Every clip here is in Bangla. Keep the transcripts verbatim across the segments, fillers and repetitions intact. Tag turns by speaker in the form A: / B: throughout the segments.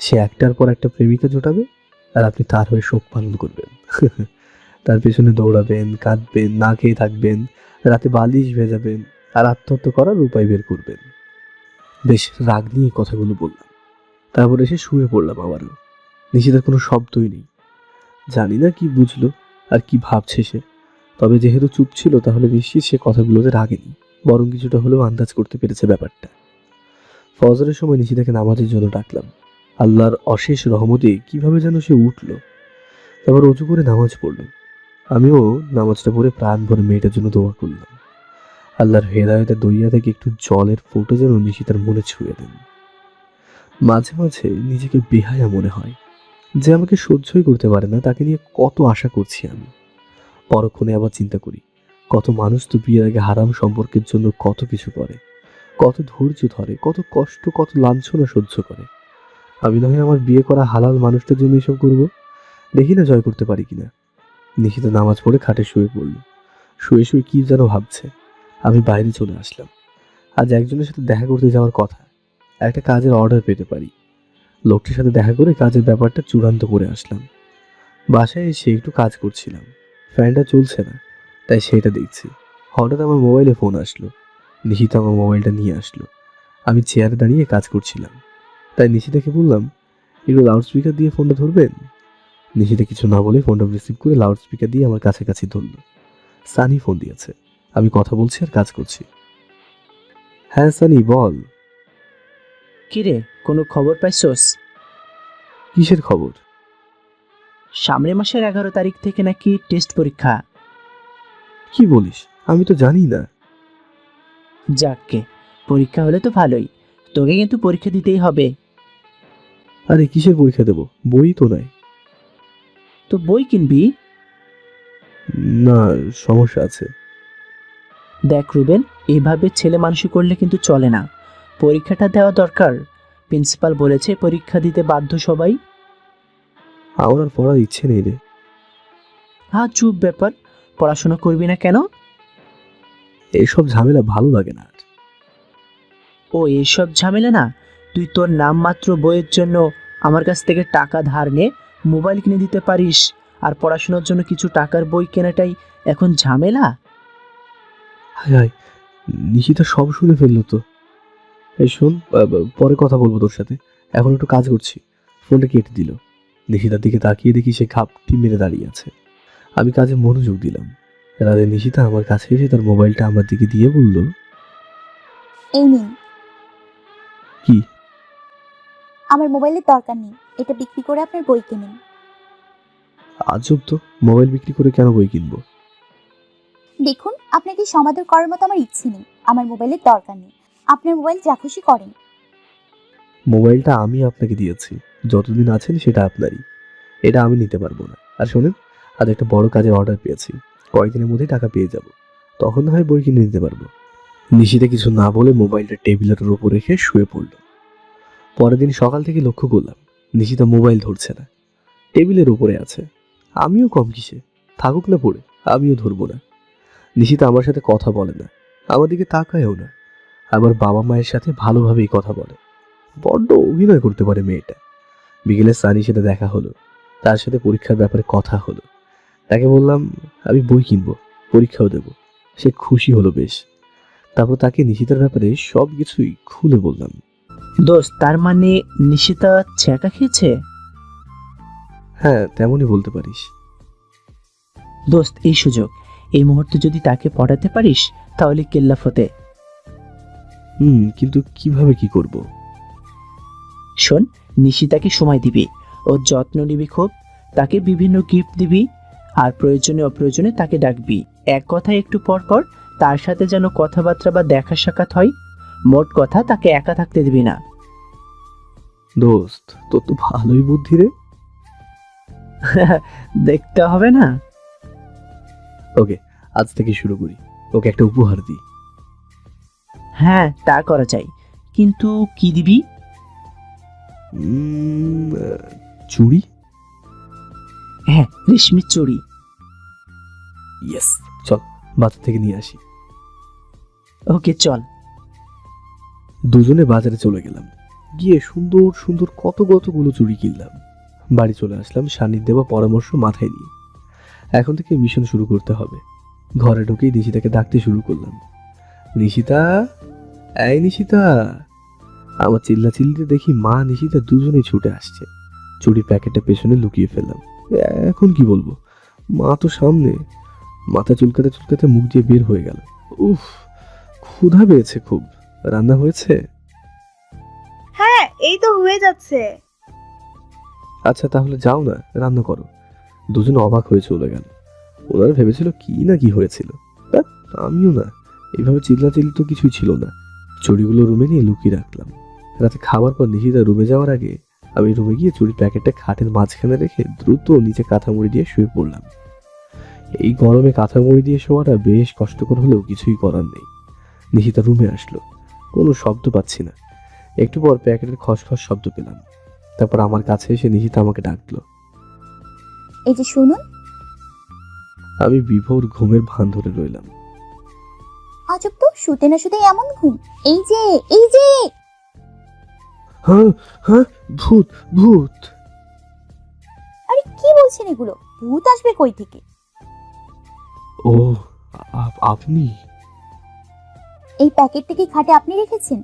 A: সে একটার পর একটা প্রেমিকা জোটাবে, আর আপনি তার হয়ে শোক পালন করবেন। তার পেছনে দৌড়াবেন, কাঁদবেন, না খেয়ে থাকবেন, রাতে বালিশ ভেজাবেন, আর আত্মহত্যা করার উপায় বের করবেন। বেশ রাগ নিয়ে কথাগুলো বললাম। তারপর এসে শুয়ে পড়লাম আবারও। নিশিতার কোনো শব্দই নেই। জানি না কি বুঝলো আর কি ভাবছে সে। তবে যেহেতু চুপ ছিল, তাহলে নিশ্চিত সে কথাগুলোতে রাগেনি, বরং কিছুটা হলেও আন্দাজ করতে পেরেছে ব্যাপারটা। ফজরের সময় নিশিতাকে নামাজের জন্য ডাকলাম। আল্লাহর অশেষ রহমতে কিভাবে যেন সে উঠল। তারপর অজু করে নামাজ পড়ল। আমিও নামাজটা পড়ে প্রাণ ভরে মেয়েটার জন্য দোয়া করলাম। আল্লাহর হেদায়েতের দরিয়া থেকে একটু জলের ফোঁটা যেন নিশিতার মনে ছুঁয়ে দেন। মাঝে মাঝে নিজেকে বেহায়া মনে হয়, যে আমাকে সহ্যই করতে পারে না তাকে নিয়ে কত আশা করছি আমি। পরক্ষণে আবার চিন্তা করি, কত মানুষ তো বিয়ের আগে হারাম সম্পর্কের জন্য কত কিছু করে, কত ধৈর্য ধরে, কত কষ্ট, কত লাঞ্ছনা সহ্য করে। আমি না হয় আমার বিয়ে করা হালাল মানুষটার জন্য এসব করবো। দেখি না জয় করতে পারি কিনা। নিশিতা নামাজ পড়ে খাটে শুয়ে পড়ল। শুয়ে শুয়ে কি যেন ভাবছে। আমি বাইরে চলে আসলাম। আজ একজনের সাথে দেখা করতে যাওয়ার কথা, একটা কাজের অর্ডার পেতে পারি। লোকটির সাথে দেখা করে কাজের ব্যাপারটা চূড়ান্ত করে আসলাম। বাসায় এসে একটু কাজ করছিলাম, ফ্যানটা চলছে না, তাই সেটা দেখছি। হঠাৎ আমার মোবাইলে ফোন আসলো। নিশিতা আমার মোবাইলটা নিয়ে আসলো। আমি চেয়ারে দাঁড়িয়ে কাজ করছিলাম, তাই নিশিতাকে বললাম, একটু লাউড স্পিকার দিয়ে ফোনটা ধরবেন। নিশিতা কিছু না বলে ফোনটা রিসিভ করে লাউড স্পিকার দিয়ে আমার কাছাকাছি ধরল। সানি ফোন দিয়েছে। আমি কথা বলছি আর কাজ করছি। হ্যাঁ সানি, বল।
B: কিরে, কোনো খবর পাইছস?
A: কিসের খবর?
B: সামনের মাসের এগারো তারিখ থেকে নাকি টেস্ট পরীক্ষা।
A: কি বলিস? আমি তো জানি না।
B: যাককে, পরীক্ষা হলে তো ভালোই, তোকে কিন্তু পরীক্ষা দিতেই হবে।
A: আরে কিসের পরীক্ষা দেবো? বই তো নাই।
B: তো বই কিনবি।
A: না, সমস্যা আছে।
B: দেখ রুবেল, এইভাবে ছেলে মানুষই করলে কিন্তু চলে না। পরীক্ষাটা দেওয়া দরকার। প্রিন্সিপাল বলেছে পরীক্ষা দিতে বাধ্য সবাই।
A: আমার আর পড়ার ইচ্ছে নেই রে।
B: হ্যাঁ, চুপ ব্যাপার। পড়াশোনা করবি না কেন?
A: এইসব ঝামেলা ভালো লাগে না আর।
B: ও এইসব ঝামেলা না? তুই তোর নামমাত্র বইয়ের জন্য আমার কাছ থেকে টাকা ধার নে মোবাইল কিনে দিতে পারিস, আর পড়াশোনার জন্য কিছু টাকার বই কেনাটাই এখন ঝামেলা?
A: হায় হায়, নিশিতা সব শুনে ফেললো তো। এই শোন, আ- আ- পরে কথা বলবো তোর সাথে, এখন একটু কাজ করছি। ফোনটা কেটে দিল। নিশিতার দিকে তাকিয়ে দেখি সে ঘাপটি মেরে দাঁড়িয়ে আছে। আমি কাজে মনোযোগ দিলাম। রাতে নিশিতা আমার কাছে এসে তার মোবাইলটা আমার দিকে দিয়ে বলল,
C: এই নিন।
A: কি?
C: আমার মোবাইলের দরকার নেই, এটা বিক্রি করে আপনার বই কিনুন।
A: আজব তো, মোবাইল বিক্রি করে কেন বই কিনবো?
C: দেখুন, আপনাকে সমাদর করার মতো আমার ইচ্ছে নেই। আমার মোবাইলের দরকার নেই, আপনার মোবাইল যা খুশি করেন।
A: মোবাইলটা আমি আপনাকে দিয়েছি, যতদিন আছেন সেটা আপনারই। এটা আমি নিতে পারবো না। আর শোনেন, আজ একটা বড় কাজের অর্ডার পেয়েছি, কয়েকদিনের মধ্যেই টাকা পেয়ে যাব, তখন না হয় বই কিনে নিতে পারবো। নিশিতে কিছু না বলে মোবাইলটা টেবিলের উপর রেখে শুয়ে পড়ল। পরের দিন সকাল থেকে লক্ষ্য করলাম নিশিতা মোবাইল ধরছে না, টেবিলের উপরে আছে। আমিও কম কিসে, থাকুক না পড়ে, আমিও ধরবো না। নিশিতা আমার সাথে কথা বলে না, আমার দিকে তাকায়ও না। আবার বাবা মায়ের সাথে ভালোভাবেই কথা বলে। বড্ড অভিনয় করতে পারে মেয়েটা। বিকেলে সানির সাথে দেখা হলো, তার সাথে পরীক্ষার ব্যাপারে কথা হলো। তাকে বললাম আমি বই কিনবো, পরীক্ষাও দেব। সে খুশি হলো বেশ। তারপর তাকে নিশিতার ব্যাপারে সব কিছুই খুলে বললাম।
B: দোস্ত, তার মানে নিশিতা ছ্যাঁকা খেয়েছে?
A: হ্যাঁ, তেমনই বলতে পারিস।
B: দোস্ত, এই সুযোগ, এই মুহূর্তে যদি তাকে পড়াতে পারিস তাহলে কেল্লা ফতে।
A: হুম, কিন্তু কিভাবে কি করব?
B: শোন, নিশিতাকে সময় দিবি, ওর যত্ন নিবি খুব, তাকে বিভিন্ন গিফট দিবি, আর প্রয়োজনে অপ্রয়োজনে তাকে ডাকবি। এক কথায় একটু পর পর তার সাথে যেন কথাবার্তা বা দেখা সাক্ষাৎ হয়। মোট কথা, তাকে একা থাকতে দিবি না।
A: দোস্ত, তোর তো ভালোই বুদ্ধি রে।
B: দেখতে হবে না?
A: ওকে, আজ থেকে শুরু করি, ওকে একটা উপহার দিই।
B: হ্যাঁ, তা করা যায়, কিন্তু কি দিবি?
A: উম, আহ, চুড়ি।
B: হ্যাঁ, রেশমির চুড়ি।
A: ইয়েস, চল বাজার থেকে নিয়ে আসি।
B: ওকে, চল।
A: দুজনে বাজারে চলে গেলাম। গিয়ে সুন্দর সুন্দর কত কতগুলো চুড়ি কিনলাম। বাড়ি চলে আসলাম সানির দেওয়া পরামর্শ মাথায় নিয়ে। এখন থেকে মিশন শুরু করতে হবে। ঘরে ঢুকেই নিশিতাকে ডাকতে শুরু করলাম, নিশিতা, এই নিশিতা। আমার চিল্লা চিল্লিতে দেখি মা নিশিতা দুজনেই ছুটে আসছে। চুড়ির প্যাকেটটা পেছনে লুকিয়ে ফেললাম। এখন কি বলবো, মা তো সামনে। মাথা চুলকাতে চুলকাতে মুখ দিয়ে বের হয়ে গেল, উফ ক্ষুধা পেয়েছে খুব। রান্না হয়েছে?
D: হ্যাঁ, এই তো হয়ে যাচ্ছে।
A: আচ্ছা তাহলে যাও না, রান্না করো। দুজন অবাক হয়ে চলে গেল। ওনারা ভেবেছিল কি না কি হয়েছিল। ধ্যাৎ, আমিও না, এইভাবে চিল্লাচিল্লি তো কিছুই ছিল না। চুড়িগুলো রুমে নিয়ে লুকিয়ে রাখলাম। রাতে খাবার পর নিশিতা রুমে যাওয়ার আগে আমি রুমে গিয়ে চুড়ির প্যাকেটটা খাটের মাঝখানে রেখে দ্রুত নিচে কাঁথা মুড়ি দিয়ে শুয়ে পড়লাম। এই গরমে কাঁথা মুড়ি দিয়ে শোয়াটা বেশ কষ্টকর হলেও কিছুই করার নেই। নিশিতা রুমে আসলো, কোনো শব্দ পাচ্ছি না। একটু পর প্যাকেটের খসখস শব্দ পেলাম। তারপর আমার কাছে এসে নিশিতা আমাকে ডাকলো।
C: এই যে শুনুন।
A: আমি বিভোর ঘুমের ভান ধরে রইলাম।
C: আজব তো, শুতে না শুতে এমন ঘুম। এই যে এই যে
A: হ্যাঁ হ্যাঁ, ভূত ভূত।
C: আরে কি বলছেন এগুলো? ভূত আসবে কই থেকে?
A: ও আপ- আপনি?
C: এই প্যাকেটটা কি খাটে আপনি রেখেছেন?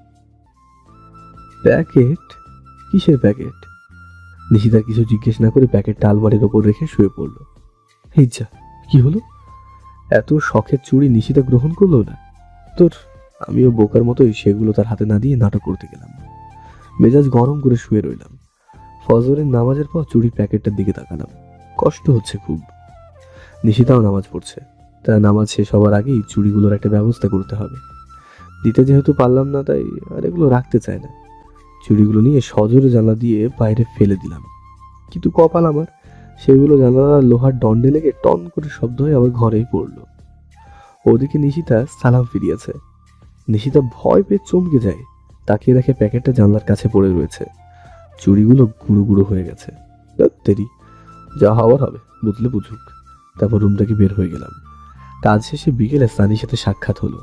A: প্যাকেট? কিসের প্যাকেট? নিশিতার কিছু জিজ্ঞেস না করে প্যাকেটটা আলমারির ওপর রেখে শুয়ে পড়লো। এই যা, কি হলো? এত শখের চুড়ি নিশিতা গ্রহণ করলো না তোর? আমিও বোকার মতোই সেগুলো তার হাতে না দিয়ে নাটক করতে গেলাম। মেজাজ গরম করে শুয়ে রইলাম। ফজরের নামাজের পর চুড়ির প্যাকেটটার দিকে তাকালাম। কষ্ট হচ্ছে খুব। নিশিতাও নামাজ পড়ছে। তার নামাজ শেষ হওয়ার আগেই চুড়িগুলোর একটা ব্যবস্থা করতে হবে। দিতে যেহেতু পারলাম না, তাই আর এগুলো রাখতে চায় না। চুড়িগুলো নিয়ে সজোরে জানলা দিয়ে বাইরে ফেলে দিলাম। কিন্তু কপাল আমার, সেগুলো জানালার লোহার দণ্ডে লেগে টন করে শব্দ হয়ে আবার ঘরেই পড়লো। ওদিকে নিশিতা সালাম ফিরিয়েছে। নিশিতা ভয় পেয়ে চমকে যায়। তাকিয়ে দেখে প্যাকেটটা জানলার কাছে পড়ে রয়েছে। চুড়িগুলো গুঁড়ো গুঁড়ো হয়ে গেছে। ধ্যাৎ তেরি, যা হওয়ার হবে, বুঝলে বুঝুক। তারপর রুম থেকে বের হয়ে গেলাম। কাজ শেষে বিকেলে সানির সাথে সাক্ষাৎ হলো।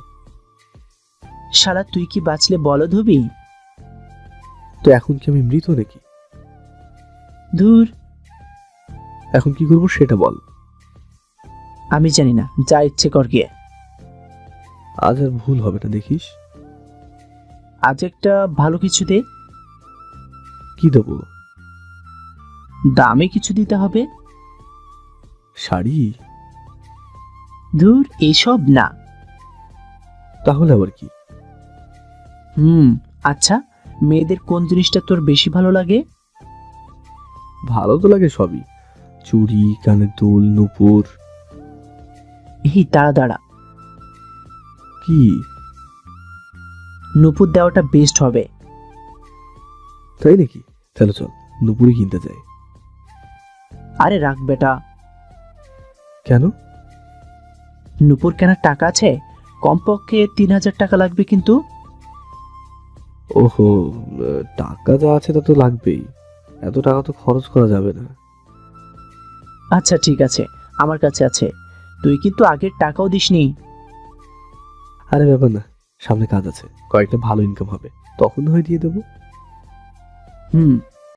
B: শালা তুই কি বাঁচলে বলদ হবি?
A: তো এখন কি আমি মৃত নাকি?
B: ধুর,
A: এখন কি করবো সেটা বল।
B: আমি জানি না, যা ইচ্ছে কর গিয়ে।
A: আজ আর ভুল হবে না দেখিস।
B: আজ একটা ভালো কিছু দে।
A: কি দেবো?
B: দামে কিছু দিতে হবে।
A: শাড়ি?
B: ধুর, এইসব না।
A: তাহলে আবার কি?
B: হুম, আচ্ছা, মেয়েদের কোন জিনিসটা তোর বেশি ভালো লাগে?
A: ভালো তো লাগে সবই, চুড়ি, কানের দুল, নূপুর।
B: এই দাঁড়া দাঁড়া,
A: কি?
B: নূপুর দেওয়াটা বেস্ট হবে।
A: তাই নাকি? তাহলে চল নূপুরই কিনতে যাই।
B: আরে রাখ বেটা,
A: কেন?
B: নূপুর কেনার টাকা আছে? কমপক্ষে তিন হাজার টাকা লাগবে কিন্তু।
A: ওহো, আহ, টাকা যা আছে তা তো লাগবেই। এত টাকা তো খরচ করা যাবে না।
B: আচ্ছা ঠিক আছে, আমার কাছে আছে। তুই কিন্তু আগের টাকাও দিসনি।
A: আরে ব্যাপার না, সামনে কাজ আছে, কয়েকটা ভালো ইনকাম হবে, তখন হয় দিয়ে দেবো।
B: হুম,